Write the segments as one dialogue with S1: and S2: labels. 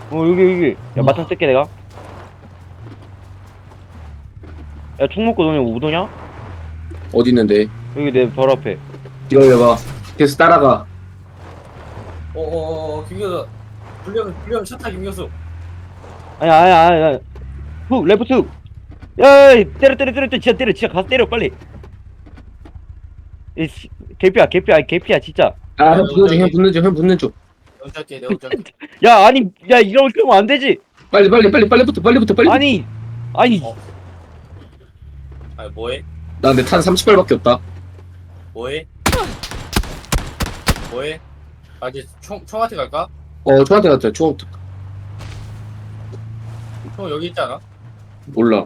S1: 여기. 야, 마탄 쓸게, 내가. 야, 총 먹고 너네 우도냐?
S2: 어디 있는데?
S1: 여기 내 바로 앞에.
S2: 기다려봐. 계속 따라가.
S3: 김교수. 불리하면 샷타 김교수.
S1: 아니. 훅, 레프트 훅. 야, 때려. 진짜 가서 때려, 빨리. 개피야, 진짜.
S2: 아, 형 붙는 중.
S3: 내가 할게, 내가 할게.
S1: 야, 아니, 야, 이렇게 하면 안 되지.
S2: 빨리부터.
S1: 아니.
S3: 어. 아니, 뭐해?
S2: 나 내 탄 30발밖에 없다.
S3: 뭐해? 이제 총한테 갈까?
S2: 총한테 갔다. 총
S3: 총 여기 있지 않아?
S2: 몰라.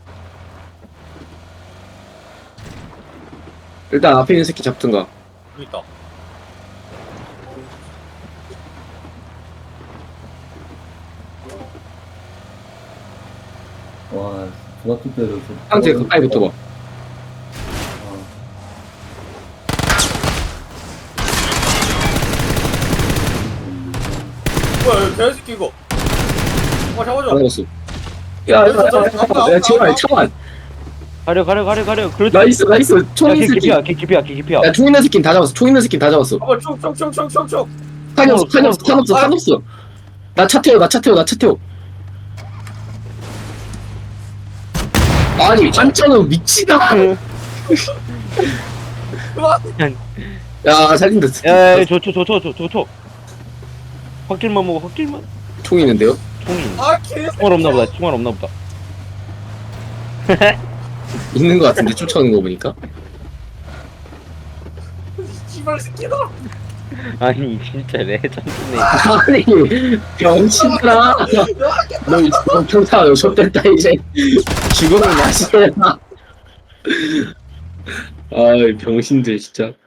S2: 일단 앞에 있는 새끼 잡든가.
S3: 여기 있다.
S4: 와, 중학교 때도 좀.
S2: 상태 가까이 붙어봐.
S3: 뭐야, 여기 개새끼 이거. 잡아줘.
S2: 잡았어. 야, 제발.
S1: 가려. 그렇지.
S2: 나이스. 총
S1: 야,
S2: 있는 새끼.
S1: 개피야.
S2: 야, 총 있는 새끼 다 잡았어.
S3: 잡아, 총.
S2: 탄 없어. 나 차 태워. 아니, 반찬은 미치다. 야, 살린다.
S1: 야, 저. 확길만 먹어.
S2: 총 있는데요?
S1: 총이.
S3: 개새끼.
S1: 총알 없나 보다.
S2: 있는 거 같은데, 쫓아오는 거 보니까.
S3: 씨발 새끼다.
S1: 아니, 진짜 레전드네.
S2: 아니, 병신아. 너 경사 욕심됐다, 이제. 죽음을 마시라. 아이, 병신들, 진짜.